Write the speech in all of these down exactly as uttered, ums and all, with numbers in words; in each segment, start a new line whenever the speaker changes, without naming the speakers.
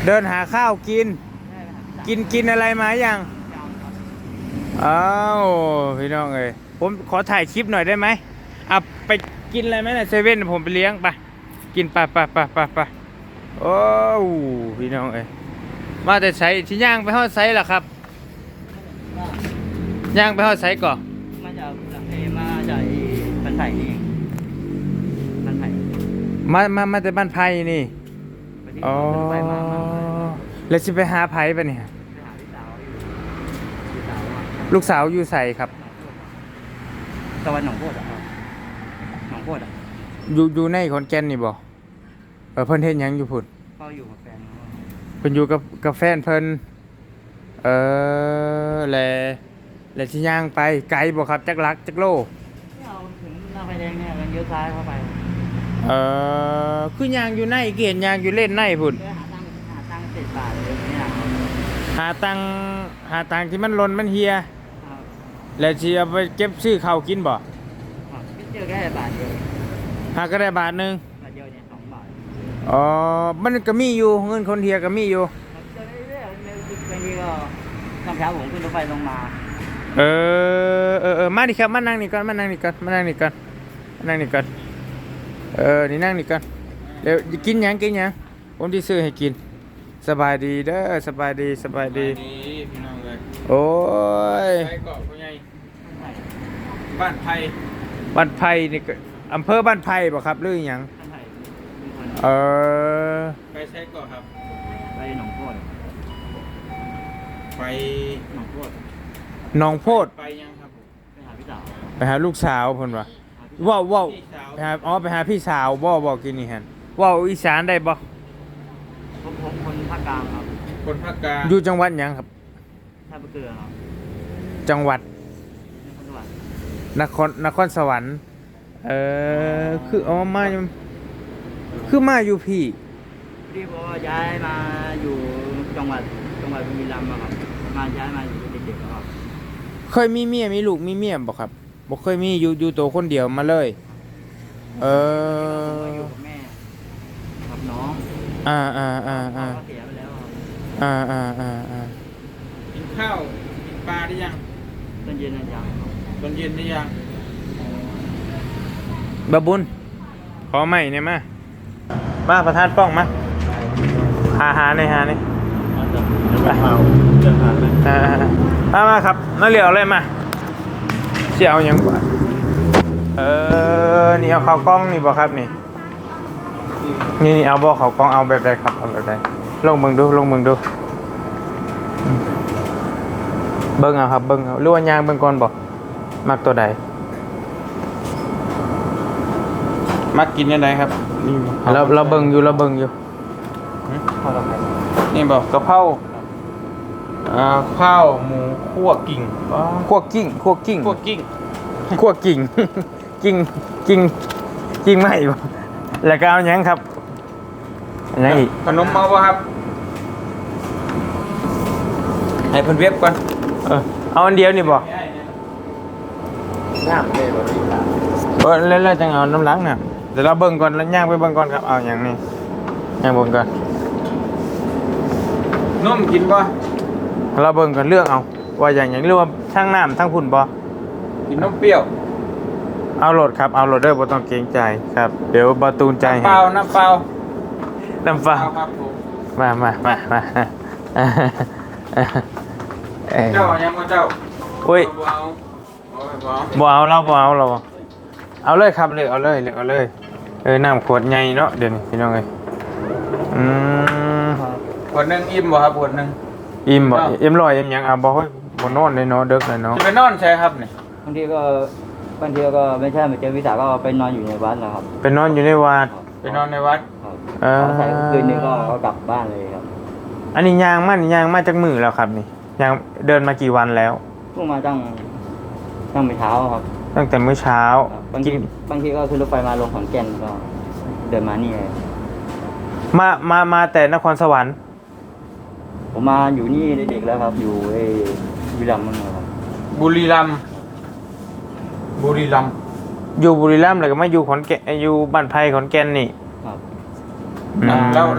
เดินหาข้าวกินกินกินอะไรมายังอ้าวพี่น้องเอ้ยผมขอถ่ายคลิปหน่อยได้ไหมอ่ะไปกินอะไรไหมนะเซเว่นผมไปเลี้ยงไปกินไปไปไปไปไปโอ้พี่น้องเอ้ยมาแต่ใช้ที่ย่างไปทอดไซส์ล่ะครับย่างไปทอดไซส์ก่อน
มาจากเอมาจากบ้านไผ่นี่บ้านไผ่
มามามาแต่บ้านไผ่นี่อ๋อแล้วจะไปหาไผ่ปะเนี่ยลูกสาวอยู่ใส่ครับ
ตะวันหนองโพดอ่ะหนองโพดอ่ะ
อยู่อยู่ในขอนแก่นนี่บ่เออเพิ่นเฮ็ดหยังอยู่พุ่น
ก็อยู่กับแฟน
เพิ่นอยู่กับกับแฟนเพิ่นเออแลแลสิย่างไปไกลบ่ครับจักลักจักโล
เอาถึงหน้าไฟแดงเนี่ยกันเลี้ยวซ้ายเข้าไป
เออคือย่างอยู่ในเกียนย่างอยู่เล่นในพุ่น
หาตังหาตังเจ็ดบาทเลยเนี่ย
หาตังหาตังที่มันหล่นมันเฮียแล้วสิเอาไปเก็บซื้อข้าวกินบ่
เจอแค่บาทเดียว
หาก็ได้บาทนึง
บาทเดียวเนี่ยสองบาท
อ๋อมันก็มีอยู่เงินคนเฮียก็มีอยู่
เจอเรื่อยๆบางทีก็ตอนเช้าผมขึ้นรถไฟลงมา
เออเออเออมาดิครับมานั่งนี่ก่อนมานั่งนี่ก่อนมานั่งนี่ก่อนมานั่งนี่ก่อนเออนี่นั่งนี่ก่อนเดี๋ยวกินหยังกินหยังผมที่ซื้อให้กินสบายดีเด้อสบายดีสบายดี
พี่น้องเลย
โอ้ย
ไปเกาะพ่อใหญ่บ้านไผ่
บ้านไผ่นี่ก็อำเภอบ้านไผ่บ่ครับหรือหยังเออ
ไปใช้เกาะครับ
ไปหนองโพด
ไป
หนองโพด
หนองโพด
ไปยังครับ
ไปหาพี่สาว
ไปหาลูกสาวเพิ่นว่าว้าวว้าวไปหาอ๋อไปหาพี่สาวบ่บอกกินนี่หั่นว้าวอีสานได้บ่
ผมผมคนภาคกลางครับ
คนภาคกลาง
อยู่จังหวัดหยังครับ
ท่าเรือครับ
จังหวัดนครนครสวรรค์เออคืออ๋อมาคือมาอยู่พี่
พี่บอกว่าย้ายมาอยู่จังหวัดจังหวัดบุรีรัมย์ครับมาย้ายมาอยู่เด็กๆครับ
เคยมีเมียมีลูกมีเมียบ่ครับบ่เคยมีอยู่อยู่ตัวคนเดียวมาเลยเออ
อยู่กับแม่กับน้อง
อ่าอ่าอ่าอ่า
เสียไปแล้ว
อ่าอ่าอ่าอ่า
กินข้าวกินปลาได้ยัง
ตอนเย็นนะยัง
ตอนเย็นได้ยัง
บะบุญขอใหม่เนี่ยมามาประธานป้องมาหาหาในหาในไปมามาครับมาเหลียวเลยมาเสี่ยวยังกว่าเออนี่เอาข้าวกล้องนี่บ่ครับนี่นี่นี่เอาบ่ข้าวกล้องเอาแบบใดครับเอาแบบใดลงเบิ่งดูลงเบิ่งดูเบิ่งเอาครับเบิ่งเอาหรือว่ายางเบิ่งก่อนบ่มักตัวใด
มักกินยังไงครับ
นี่เราเราเบิ่งอยู่เราเบิ่งอยู่
นี่บอกกะเพราอ่าข้าวหมูคั่วกิ่ง
คั่วกิ่งคั่วกิ่ง
คั่วกิ่ง
คั่วกิ่งกิ่งกิ่งกิ่งไม่บ่แล้วก็เอาหยังครับอันไหนอีก
ขนมเอาบ่ครับให้เพิ่นเว็บก่อน
เออเอาอันเดียวนี่บ่
น้ำเลยบ่ดีครับ
เออแล้วแล้วจังเอาน้ำล้างน่ะเดี๋ยวเราเบิ่งก่อนแล้วย่างไปเบิ่งก่อนครับเอาอย่างนี้ย่างเบิ่งก่อน
นมกินบ่
เราเบิ่งก่อนเลือกเอาว่าอย่างอย่างเรียกว่าทั้งน้ำทั้งพุ่นบ่
กินนมเปรี้ยว
เอาโหลดครับเอาโหลดเด้อบ่ต้องเกรงใจครับเดี๋ยวบ่ตูนใจ
ให้น้ำเปล่าน้ำเปล่า
น้ำเปล่า
ครับผม
มามามามา
เจ้ายังบ่เจ้า
โอ้ยบ่เอาเราบ่เอาเราเอาเลยครับเลยเอาเลยเลยเอาเลยเออน้ำขวดใหญ่เนาะเดี๋ยวนี้พี่น้องเอ้ยอืม
ขวดนึงอิ่มบ่ครับขวดนึง
อิ่มบ่อิ่มร้อยอิ่มหยังเอาบ่เฮ้ยบ่นอนเลยเนาะดึกเลยเนาะ
จะไปนอนใช่ครับนี่
บางทีก็บางทีก็ไม่ใช่มาเจอวิสาก็ไปนอนอยู่ในวัดนะครับ
ไปนอนอยู่ในวัด
ไปนอนในวัด
เออ
ใส่คืนนึงก็กลับบ้านเลยครับ
อันนี้ยางมันยางมาจากมือแล้วครับนี่ยางเดินมากี่วันแล้ว
เพิ่งมาตั้งตั้งแต่เช้าครับ
ตั้งแต่เมื่อเช้า
บางทีบางทีก็ขึ้นรถไฟมาลงขอนแก่นก็เดินมานี่เลย
มามามาแต่นครสวรรค์
ผมมาอยู่นี่เด็กๆแล้วครับอยู่ไอ้บุรีรัมย์นั่นครับ
บุรีรัมย์บุรีรัมย์
อยู่บุรีรัมย์แล้วก็มาอยู่ขอนแก่นอยู่บ้านไผ่ขอนแก่นนี่
ครับแล้ว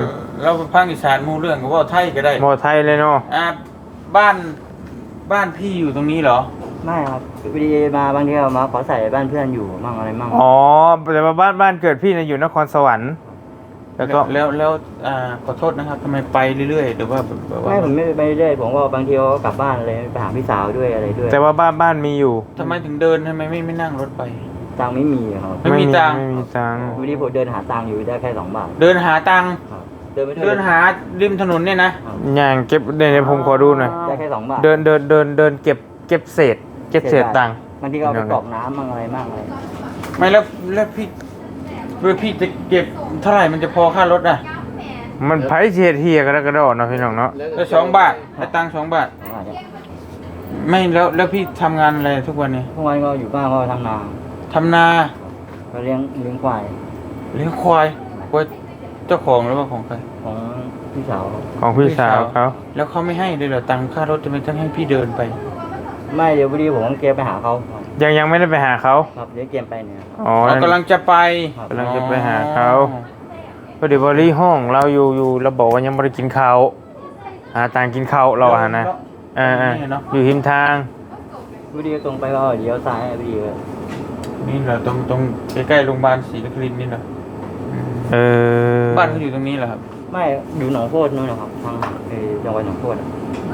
เราเป็นภาคอีสานหมู่เรื่องก็เว่าไทยก็ได้
หมอไทยเลยเนาะ
อ่าบ้านบ้านพี่อยู่ตรงนี้เหรอ
ไม่ครับพอดีมาบางทีก็มาขอใส่บ้านเพื่อนอยู่มั่งอะไรมั่ง
อ๋อแต่ว่าบ้านบ้านเกิดพี่นะอยู่นครสวรรค์แล้วก็
แล้วแล้วอ่าขอโทษนะครับทำไมไปเรื่อยๆหรือว่าแบบว่า
ไม่ผมไม่ไปเรื่อยผมก็บางทีก็กลับบ้านเลยไปหาพี่สาวด้วยอะไรด้วย
แต่ว่าบ้านบ้านมีอยู่
ทำไมถึงเดินทำไมไม่ไม่นั่งรถไป
ตังค์ไม่มีครับ
ไม่มีตังค์
ไม่มีตังค์
วันนี้ผมเดินหาตังค์อยู่ได้แค่สองบาท
เดินหาตังค์
ครับเดินไป
เดินหาริมถนนเนี่ยนะ
อย่างเก็บเดี๋ยวผมขอดูหน่อย
ได้แค่สองบาท
เดินเดินเดินเดินเก็บเก็บเศษ เก็บเศษตังค์
บางทีก็เอาไปกรอกน้ำมั่งอะไรมั่งอะไร
ไม่แล้วแล้วพี่เพื่อพี่จะเก็บเท่าไหร่มันจะพอค่ารถอ่ะ
มันไผเฉียดเฮียกระดกกระโดดเนาะพี่น้องเนาะ
แล้วสองบาทให้ตังค์สองบาท
สองบาทเนี่ย
ไม่แล้วแล้วพี่ทำงานอะไรทุกวันนี้
ทุกวันก็อยู่บ้านก็ทำนา
ทำนา
ก็เลี้ยงเลี้ยงควาย
เลี้ยงควายควายเจ้าของหรือว่าของใคร
ของพี่สาว
ของพี่สาวเขา
แล้วเขาไม่ให้เลยเหรอตังค่ารถจะไม่ต้องให้พี่เดินไป
ไม่เดี๋ยวพอดีผมต้องเกมไปหาเขาครับ
ยังยังไม่ได้ไปหาเขา
ครับเดี๋ยวเกมไปเนี่ย
อ๋อ
เรากำลังจะไป
กำลังจะไปหาเขาก็เดี๋ยวบริห้องเราอยู่อยู่เราบอกว่ายังไม่ได้กินข้าวหาตังค์กินข้าวเราอะนะเอ่าอยู่หิมทาง
พอดีตรงไปก็เดี๋ยวซ้ายพอดีเลย
นี่เหรอตรงตรงใกล้ๆโรงพยาบาลศรีนครินทร์นี่เหรอ
เออ
บ้านเขาอยู่ตรงนี้เหรอครับ
ไม่อยู่หนองโคตรนู่นนะครับทางเอ่อจังหวัดหนองโคตรอะ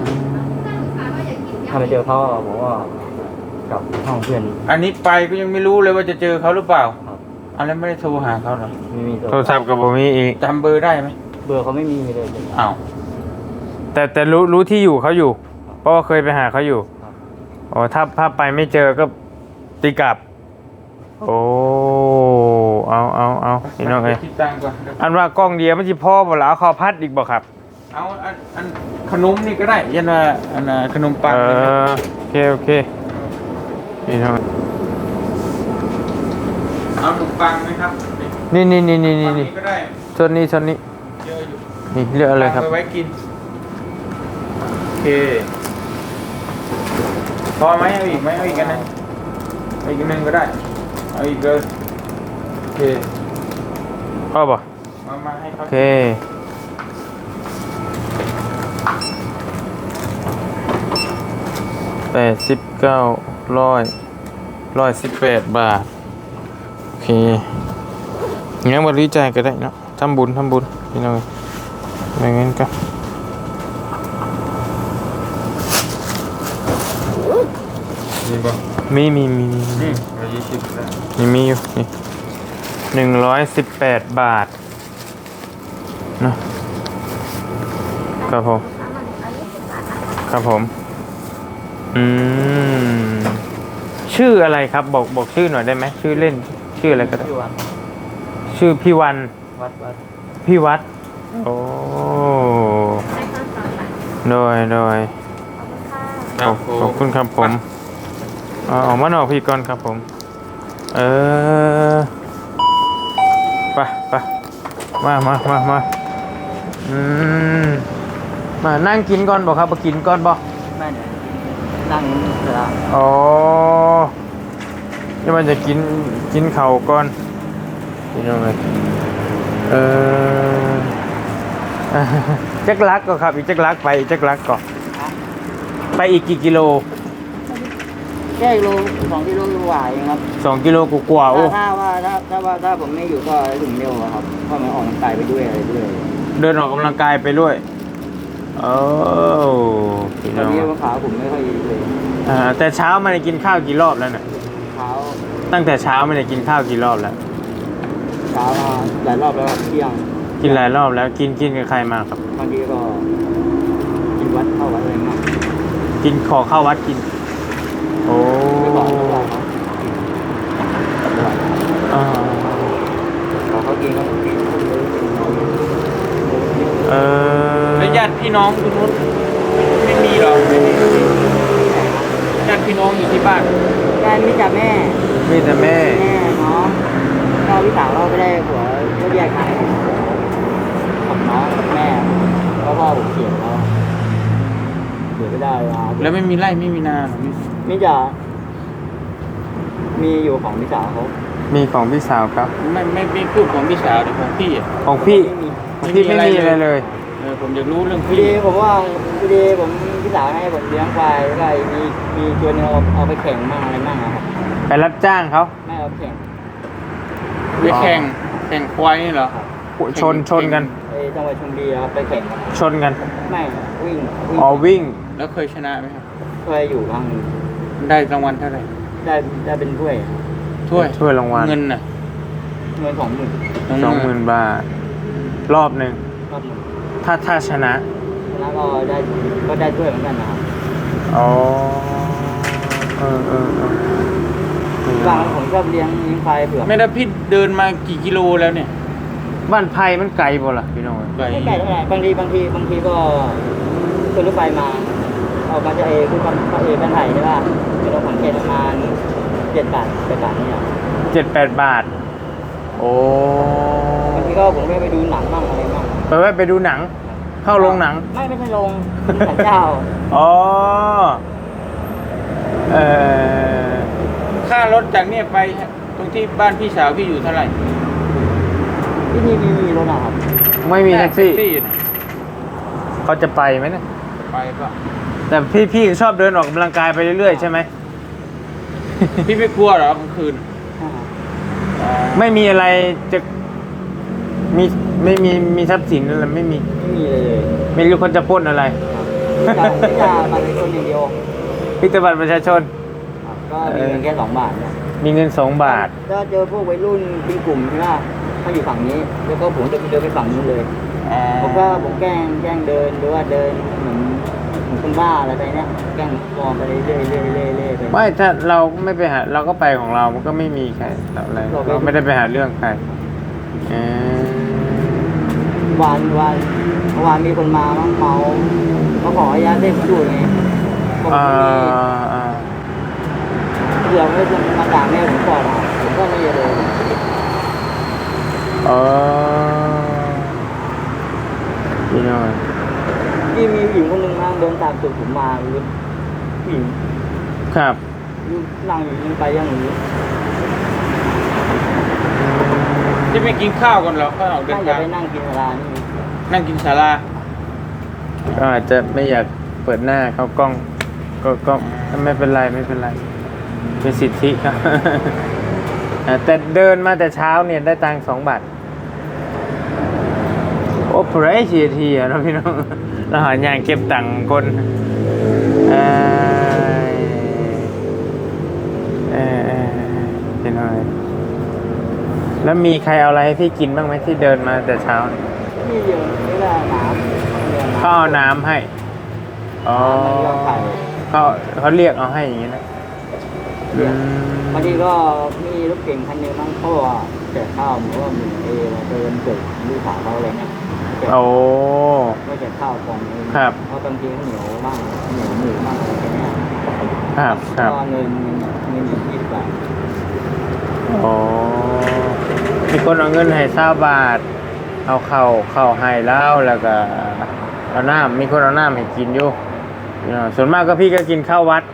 ถ้าไปเจอเขาอะผมว่ากลับห้องเพื่อน
อันนี้ไปก็ยังไม่รู้เลยว่าจะเจอเขาหรือเปล่า
ครับ
อันนั้นไม่ได้โทรหาเขาเหรอ
ไม่มี
โทรศัพท์กับผมมีอีก
จำเบอร์ได้ไหม
เบอร์เขาไม่มีเลย
อ้าว
แต่แต่รู้รู้ที่อยู่เขาอยู่ เพราะว่าเคยไปหาเขาอยู่
ครับ
อ๋อถ้าถ้าไปไม่เจอก็ตีกลับ โอ้เอาเอาเอาพี่น้องเอ้ย
คิดตังค์ก่อน
อันว่ากล้องเดียวมันสิพ่อบ่ล่ะเอาข้าวพัดอีกบ่ครับ
เอาอันอันขนมนี่ก็ได้ยันว่าอันน่ะขนมปัง
เอ
นี่นะ
อโอเคโอเคพี่น้อง
เอาขนมปังไหมครับ
นี่นี่นี่นี่นี่
ปัง
นี่
ก็ได้
ส่วนนี้ส่วนนี้
เยอะอยู่
นี่เลือกอะไรครับ
ปังไว้กินโอเคพอไหมเอาอีกไหมเอาอีกอันนึงเอาอีกอันนึงก็ได้เอาอีกเลยโอเค
พ่อบ่
มามาให้เขา
โอเคแปดสิบเก้าร้อยร้อยสิบแปดบาท โอเคงั้นบริจาคก็ได้เนาะทำบุญทำบุญพี่น้องไม่งั้นก็
นี่ป่ะ
มีมีมีมี
นี่ร้อยยี่สิบได้
มีมีอยู่นี่หนึ่งร้อยสิบแปดบาทเนาะครับผมครับผมอืมชื่ออะไรครับบอกบอกชื่อหน่อยได้ไหมชื่อเล่นชื่ออะไรก็ได้
ที่วัด
ชื่อพี่วัน
วัดวัด
พี่วัดโอ้โดยโดยขอบขอบคุณครับผมเอาออกมาหน่อยพี่ก่อนครับผมเออไปไปมามามามาอืมมานั่งกินก่อนบอกครับมากินก่อนบอก
แม่เนี่ยนั่งเวลา
อ๋อนี่มันจะกินกินเข่าวก่อนกินยังไงเออ จักรักก็ครับอีกจักรักไปอีกจักรักก่อนไปอีกกี่กิโล
แค่กิโลสองกิโลกว่าเองครับ
สองกิโลกว่าๆโอ้
ถ้าถ้าว่าถ้าถ้าว่าถ้าผมไม่อยู่ก็ถึงเร็วอะครับเพราะมันออกกำลังกายไปด้วยอะไรด้วย
เดินออกกำลังกายไปด้วยโอ้พี่
ต
น้
อน
อง
นี้ว่าขาผมไม่ค่อยดีเลย
อ่าแต่เช้าไม่ได้กินข้าวกี่รอบแล้วเนี่ย
เช้า
ตั้งแต่เช้าไม่ได้กินข้าวกี่รอบแล้ว
เช้ามาหลายรอบแล้วครับเที่ยง
กินหลายรอบแล้วกินกินกับใครมาครับ
บางทีก็กินวัดเข้าวัดอะไรมาก
กินขอข้าววัดกินโอ้
ไม่บอกไม่บอกเขาไม่บอก
อ่า
ขอเขากินเขากิน
เออ
แล้วญาติพี่น้องทุกคนไม่มีหรอญาติพี่น้องอยู่ที่บ้าน
การมีแต่แม่
มีแต่แม่
แม่น้องก็พี่สาวเราไม่ได้ผัวก็แยกกันกับน้องกับแม่เพราะพ่อผมเสียแล้วเสียไม่ได้เวลา
แล้วไม่มีไร่ไม่มีนาเหรอมี
มิจะมีอยู่ของพี่สาวเขา
มีของพี่สาวครับ
ไม่ไม่ไม่พูดของพี่สาวแต่ของพี่อ่ะ
ของพี่
ไม่มี
ขที่ไม่มีอะไรเลย
เออผมอยากรู้เรื่อง
พอ
พี่
ดีผมว่าพอดีผมพี่สาวให้ผมเลี้ยงควายแล้วก็มีมีตัวหนึงเอาเอาไปแข่งมั่งอะไรมั่งอะครับ
ไปรับจ้างเขา
ไม่เอาไปแข่ง
ไปแข่งแข่งควายนี่เหรอ
ชนชนกัน
ไปจังหวัดชลบุรีครับไปแข่ง
ชนกัน
ไม่วิ่งวิ่ง
อ๋อวิ่ง
แล้วเคยชนะไหมครับ
เคยอยู่บ้าง
ได้รางวัลเท่าไหร่
ได้ได้เป็นถ้วย
ถ้วย
ถ้วยรางวัล
เงินน่ะ
เงินสองหมื่น
สองหมื่นบาท รอบหนึ่ง
รอบหนึ่ง
ถ้าถ้าชนะ
แล้วก็ได้ก็ได้ถ้วยเหมือนกันนะครับ
อ๋อเออเออเออ
บางผมชอบเลี้ยงเลี้ยงควายเผือก
ไม่ได้พี่เดินมากี่กิโลแล้วเนี่ย
บ้านไผ่มันไกลบ่ล่ะพี่น้อง
ไกล
ไม่ไกลเท่าไหร่บางทีบางทีบางทีก็ขึ้นรถไฟมาออกมาจะเอคือความเอบ้านไผ่ใช่ป่ะคือเราขอนแก่นประมาณเจ็ดบาทแปดบาทเนี่ย
เจ็ดแปดบาท โอ้
บางทีก็ผมก็ไปดูหนังบ้างอะไรบ้าง
ไปไว้ไปดูหนัง เข้าโรงหนัง
ไม่ไม่ใช่โรงสันเจ้า
อ๋อ เออ
ค่ารถจากเนี่ยไปตรงที่บ้านพี่สาวพี่อยู่เท่าไหร่
ที่นี่มีมีรถนะครับ
ไม่มีแท็กซี่
นะ
เขาจะไปไหมเนี่ย
ไปก็
แต่พี่พี่ชอบเดินออกกำลังกายไปเรื่อยๆใช่ไหม
พี่ไม่กลัวเหรอกลางคืน
อ่า
ไม่มีอะไรจะมีไม่มีมีทรัพย์สินอะไรไม่มี
ไม่มีเลยเลย
ไม่รู้คนจะปล้นอะไร
ครับจะจะมาในคนอย่างเดียว
พิจบัตรประชาชน
ครับก็มีเงินแค่สองบาทเนี่ย
มีเงินสองบาท
ถ้าเจอพวกวัยรุ่นเป็นกลุ่มใช่ไหมเขาอยู่ฝั่งนี้ แล้วก็ผมจะเดินไปฝั่งนู้นเลย ผมก็ผมแกล้งแกล้งเดินหรือว่าเดินเหมือนเหมือนคนบ้าอะไรไปเนี้ยแกล้งมองไปเรื่อยเรื่อยเรื่อยเรื่อยเรื่อยไป
ไม่ถ้าเราไม่ไปหาเราก็ไปของเรา มันก็ไม่มีใครอะไร
เราไม่
เราไม่ได้ไปหาเรื่องใครเออ
วันวันเมื่อวานมีคนมาเมาเมาเขาขออนุญาตเล่นดูไงผม
อ่า
ไม่มี
อ่า
เดี๋ยวไม่จะมาด่าแม่ผมก่อนอ่ะผมก็ไม่ได้เลย
เออพี่น้อย
ที่มีผู้หญิงคนหนึ่งนั่งเดินตามตูดผมมาเลยผู้หญิง
ครับ
นั่งอยู่ยังไปยังอยู่
จะไม่กินข้าวกันเหรอข้าวออกเดิ
น่าน จะ
ทาง
ไปนั่งกินร้านนี่
นั่งกินศาลา
ก็อาจจะไม่อยากเปิดหน้าเข้ากล้อง ก็ก็ไม่เป็นไรไม่เป็นไรเป็นสิทธิครับ อ่าแต่เดินมาแต่เช้าเนี่ยได้ตังค์สองบาทโอ้เพรสชีทีอะนะพี่น้อง เราหาอย่างเก็บตังค์คนเออเออเออเป็นไงแล้วมีใครเอาอะไรให้พี่กินบ้างไหมที่เดินมาแต่เช้าเนี่ย
นี่เดียวนี่แหละน้ำ
เขาเอาน้ำให้อ๋อเขาเขาเรียกเอาให้อย่างนี้นะ
บางทีก็มีรถเก่งคันหนึงมั้งเขาบอกว่าแจกข้าวเหมือนว่ามีเอมาเดินเกิดลูกสาวเขาอะไรเงี้ยแจก
โอ้
ไม่แจกข้าวกล่องนึง
ครับ
เพราะบางทีเขาเหนียวบ้างเหนียวหมูบ้างอะไรเงี้ย
ครับครับ
ก็เงินเงินอยู่ที่สิบบาท
โอ้มีคนเอาเงินให้เศร้าบาท เอาเข่าเข่าให้แล้วแล้วก็เอาน้ำมีคนเอาน้ำให้กินอยู่เนาะส่วนมากก็พี่ก็กินข้าววัด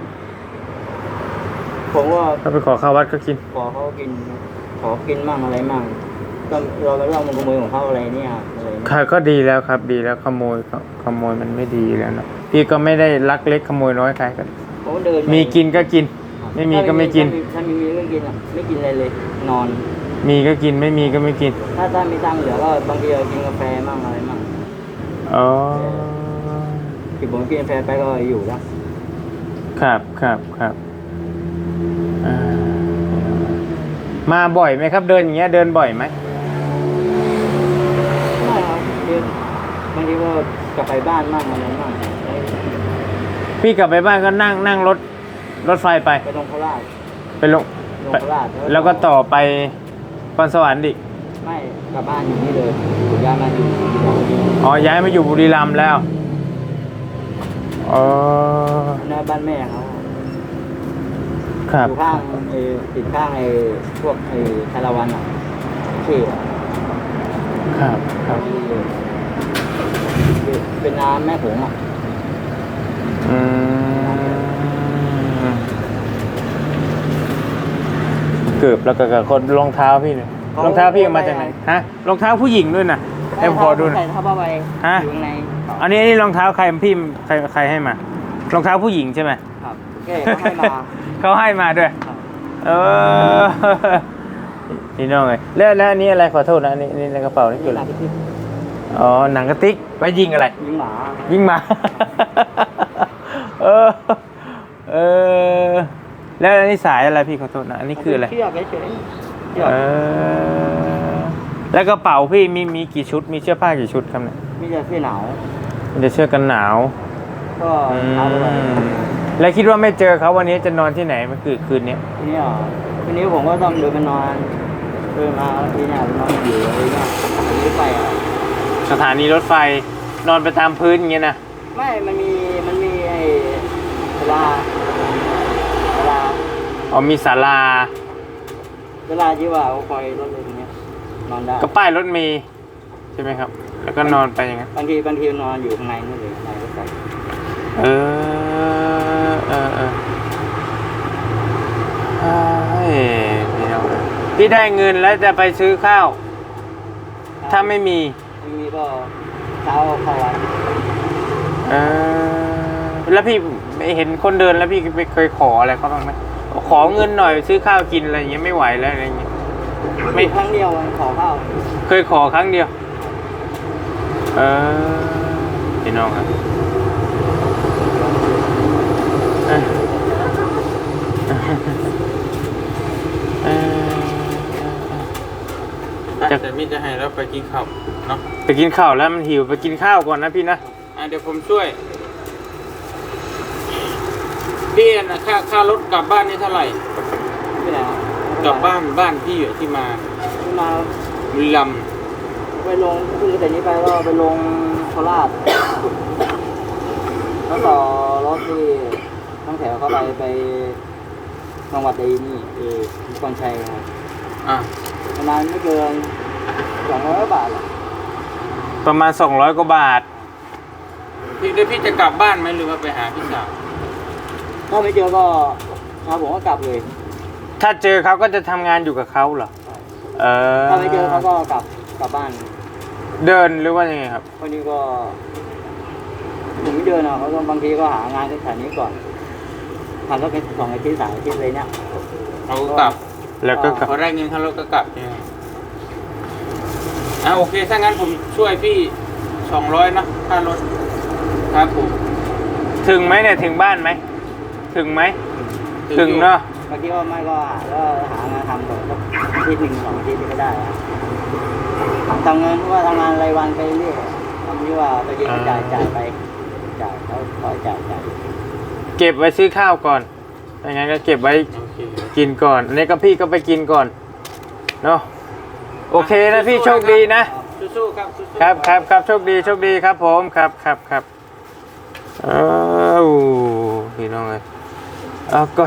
ผมว่า
ก็ไปขอข้าววัดก็กิน
ขอเขากินขอกินมั่งอะไรมั่งก็เราก็ต้องมันขโมยของเขาอะไรเนี่ยอะไรเนี่ย
ค่ะก็ดีแล้วครับดีแล้วขโมยขขโมยมันไม่ดีแล้วเนาะพี่ก็ไม่ได้ลักเล็กขโมยน้อยใครกัน
ผมก็เดิน
มีกินก็กิน ไม่มีก็ไม่กิน
ถ้ามีถ้ามีก็กินอ่ะไม่กินอะไรเลย นอน
มีก็กินไม่มีก็ไม่กิน
ถ้าถ้ามีตังค์เหลือก็บางทีเรากินกาแฟมั่งอะไรมั่ง
อ๋อ
ที่ผมกินกาแฟไปก็อยู่แล้ว
ครับครับครับอ่ามาบ่อยไหมครับเดินอย่างเงี้ยเดินบ่อยไหม
ไม่ครับเดินบางทีก็กลับไปบ้านมั่งอะไรมั่ง
พี่กลับไปบ้านก็นั่งนั่งรถรถไฟไป
ไปลงโคราช
ไปลง
ลง
ไป
โคราช
แล้วก็ต่อไปพรสวรรค์ดิ
ไม่กลับบ้านอยู่นี่เลยอยู่ย้ายมาอยู่อยู่ที่นี่
อ๋อย้ายมาอยู่บุรีรัมย์แล้วอ๋อ
หน้าบ้านแม่เขา
ครับ
อยู่ข้างไอ้ติดข้างไอ้พวกไอ้คาราวานอ่ะเขตอะ
ครับครับ
เป็นน้ำแม่ผงอ่ะ
อืมเกือบแล้วก็กับคนรองเท้าพี่เนี่ยรองเท้าพี่เอามาจากไหนฮะรองเท้าผู้หญิงด้วยนะ
ไป
ให้ผมขอดูหน่
ใส่
อย
ผ้าผ้าใบ
ฮะ
อยู่ข้างใน
อันนี้อันนี้รองเท้าใครพี่ใครใครให้มารองเท้าผู้หญิงใช่ไหม
ครับแกก็ให้มา
เขาให้มาด้วย
ครับ
เออนี่น้องเลยแล้วแล้วอันนี้อะไรขอโทษนะอันนี่นี่ในกระเป๋านี่คืออะไร
ที่
อ๋อหนังกระติกไว้ยิงอะไร
ยิงหมา
ยิงหมา เออเออแล้วอันนี้สายอะไรพี่ขอโทษนะอันนี้คืออะไร
เชือกเฉยๆเชือก
เออแล้วกระเป๋าพี่มีมีกี่ชุดมีเสื้อผ้ากี่ชุดครับเนี่ย
มีแต่เสื้อหนาว
มีแต่เสื้อกันหนาว
ก็
อื
เอาไป
มแล้วคิดว่าไม่เจอเขาวันนี้จะนอนที่ไหนเมื่อคืนคืนนี้
ทีนี้อ่ะทีนี้ผมก็ต้องเดินไปนอนเดินมาแล้วทีเนี้ยนอนอยู่อะไรเงี้ยผมไม่ไปอ่ะ
สถานีรถไฟนอนไปตามพื้นอย่างเงี้ยนะ
ไม่มันมีมันมีไอ้เวลาเวลา
อ๋อมีศาลา
เวลาที่ว่าเขาคอยรถเลยตรงเนี้ยนอนได้
ก็ป้ายรถเมล์ใช่ไหมครับ แล้วก็นอนไปอย่างนั้น
บางทีบางทีนอนอยู่ข้างในนู่นเลยในรถไฟ
เออเออเออเฮ้ยพี่น้องพี่ได้เงินแล้วจะไปซื้อข้าว ถ้าไม่มี
ไม่มีก็เช้าเข้าวัด
เออแล้วพี่เห็นคนเดินแล้วพี่ไปเคยขออะไรเขาบ้างไหมขอเงินหน่อยซื้อข้าวกินอะไรอย่างเงี้ยไม่ไหวแล้วอะไรอย่างเงี้ย
ไม่ครั้งเดียวมันขอข้าว
เคยขอครั้งเดียว เออพี่น้องครับเออเออจะแต่มิจะให้เราไปกินข้าวเนาะไปกินข้าวแล้วมันหิวไปกินข้าวก่อนนะพี่นะอ่ะเดี๋ยวผมช่วยพี่นะค่าค่ารถกลับบ้านนี่เท่าไหร่
ที่ไหนครับ
กลับบ้านบ้านพี่อยู่ที่มา
ที่มา
บุรีรัมย์
ไปลงคือแต่นี้ไปก็ไปลงโคราชแล้วต่อรถที่ตั้งแถวเข้าไปไปจังหวัดใดนี่เออนครชัยครับ
อ่ะ
ประมาณไม่เกินสองร้อยบาทหรอก
ประมาณสองร้อยกว่าบาทพี่เดี๋ยวพี่จะกลับบ้านไหมหรือว่าไปหาพี่สาว
ถ้าไม่เจอก็ครับผมก็กลับเลย
ถ้าเจอเขาก็จะทำงานอยู่กับเขาเหรอเออ
ถ้าไม่เจอเขาก็กลับกลับบ้าน
เดินหรือว่ายังไงครับ
วันนี้ก็ผมไม่เดินอ่ะเขาก็บางทีก็หางานที่แถวนี้ก่อนทำก็เป็นสองอาทิตย์สามอาทิตย์เลยเนี่ย
เขาก็กลับ แล้วก็เขาได้เงินค่ารถก็กลับใช่ไหมอ่ะโอเคถ้างั้นผมช่วยพี่สองร้อยนะค่ารถครับผมถึงไหมเนี่ยถึงบ้านไหมถึงไหมถึงเนาะ
บางทีว่าไม่ก็หาก็หางานทำก่อนสักอาทิตย์หนึ่งสองอาทิตย์ก็ได้นะทำงานว่าทำงานรายวันไปเรื่อยทำที่ว่าไปยิงก็จ่ายจ่ายไปจ่ายเขาคอยจ่ายจ่าย
เก็บไว้ซื้อข้าวก่อนอย่างงั้นก็เก็บไว้กินก่อนอันนี้ก็พี่ก็ไปกินก่อนเนาะโอเคนะพี่โชคดีนะ
สู้ๆครับสู้ๆ
ครับครับครับโชคดีโชคดีครับผมครับครับครับอ้าวพี่น้องเลยเอาก็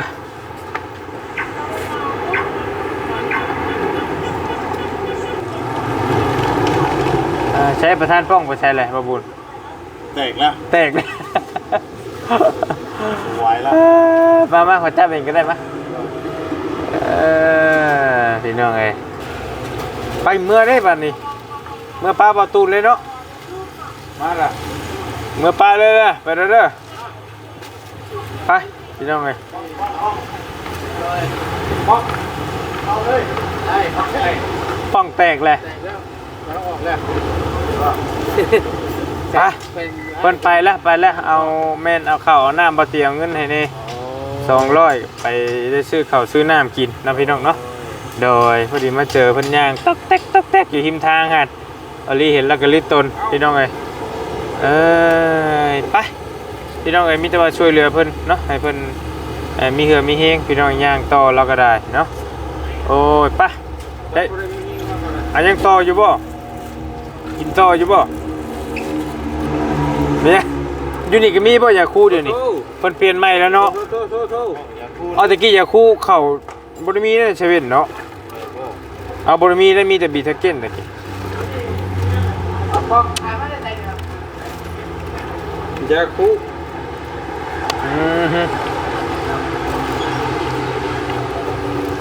อ่าใช้ประธานป้องไปใช้อะไรบาบุญ
แตกแล้ว
แตกเลย
ไหวแล้ว
มามาขอจับเองก็ได้มะเออพี่น้องเอ้ยไปเมื่อได้ป่ะนี่เมื่อปลาประตูเลยเนาะมาละเมื่อปลาเลยเลยไปเด้อเด้อไปพี่น้องเอ้ย
ป๊อกเอาเลยได้ได้
ป้องแตกเลย
แตกแล้วแล้วออกแล้ว
ไปเพิ่นไปแล้วไปแล้วเอาแม่นเอาข้าวเอาน้ำมาเตรียมเงินให้นี่สองร้อยไปได้ซื้อข้าวซื้อน้ำกินนะพี่น้องเนาะโดยพอดีมาเจอเพิ่นย่างต๊อกแต๊กต๊อกแต๊กอยู่หิมทางฮะอลีเห็นแล้วก็รีบตนพี่น้องเอ้ยเอ้ยไปพี่น้องเอ้ยมีแต่ว่าช่วยเหลือเพิ่นเนาะให้เพิ่นเอ่อมีเหือมีเฮงพี่น้องย่างต่อเราก็ได้เนาะโอ้ยไปเฮ้ยอันยังต่ออยู่บ่กินต่ออยู่บ่เนี่ยยูนิคก็มีบ่อยาคู่เดี๋ยวนี้เพิ่นเปลี่ยนใหม่แล้วเนาะ
โทษโทษโทษ
เอาตะกี้ยาคู่เข่าบ่ได้มีในเซเว่นเนาะเอาบ่ได้มีได้มีแต่บีทาเก้นตะกี้
ยาคู
อือฮึ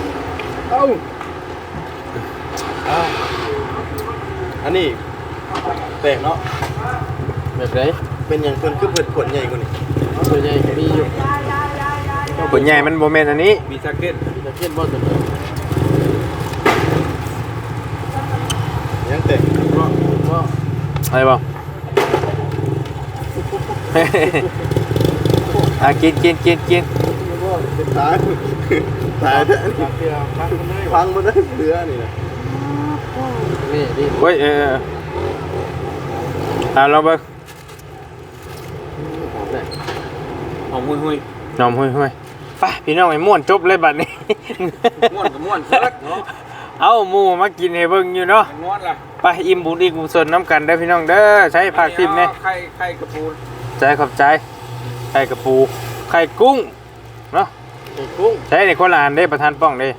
เอ้าอันนี้
แปลกเนาะแบบไหนเป็นอย่างเพิ่นคือเพิ่นขวดใหญ่กว่านี้ขวดใหญ่มีอยู่
ขวดใหญ่มันโมเมนต์อันนี้
มีแจ็คเก็ต
มีตะเกียบบ่ตัวนี้ยังแตกเพราะเพราะ
อะไรบ้าง อ่ะกินกินกินกิน
เป็นตายตายเด้อพังมาได้เรือนี่นะนี่นี่
เว้ยเออเอออ่ะเราเบิ่ง
หอมหุยหุย
นอมห้ยห้ยไปพี่น้องไอ้ม่วนจบเลยบัดนี้
ม้วนกับม้วนเซิร์กเนาะ
เอาหมูมากินให้เบิ่งอยู่เนาะ
ม้วนล่ะ
ไปอิ่มบุญอีกบุญส่วนน้ำกันเด้อพี่น้องเด้อใช้ผักทิมเนี่ย
ไข่ไข่กระปู
ใจขอบใจไข่กระปูไข่กุ้งเนาะ
ไอ้กุ้ง
ใช้ในคนละอันได้ประธานป้องได้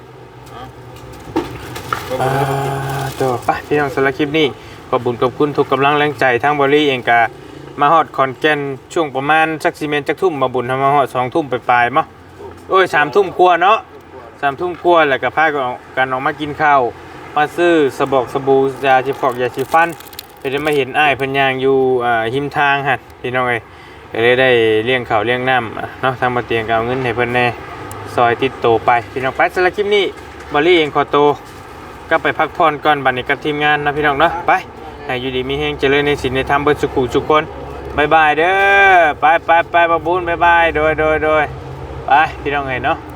อ่าตัวไปพี่น้องสำหรับคลิปนี้ขอบคุญขอบคุณทุกกำลังแรงใจทั้งบริเองกามาฮอดคอนแก่นช่วงประมาณสักซีเมนจักทุ่มมาบุญทำมาฮอดสองทุ่มไปปลายๆมั้งโอ้ยสามทุ่มกลัวาเนาะสามทุ่มกลัวาแล้วก็พากันออกกันออกมากินข้าวมาซื้อสบอกสบู่ยาชีฟอกยาชีฟันเพื่อจะมาเห็นอ้ายเพิ่นย่างอยู่อ่าหิมทางหั่นพี่น้องเอ้ยก็เลยได้เลี้ยงข้าวเลี้ยงน้ำอ่ะเนาะทางบ่เตียงก็เอาเงินให้เพิ่นแน่ซอยติดโตไปพี่น้องไปสำหรับคลิปนี้บริเองขอโตวก็ไปพักผ่อนก่อนบัดนี้กับทีมงานนะพี่น้องเนาะไปให้อยู่ดีมีแฮงเจริญในศีลในธรรมเบิดสุขุทุกคนบายบายเด้อไปไปไปบะบุญบายบายโดยโดยโดยไปพี่น้องเอ้ยเนาะ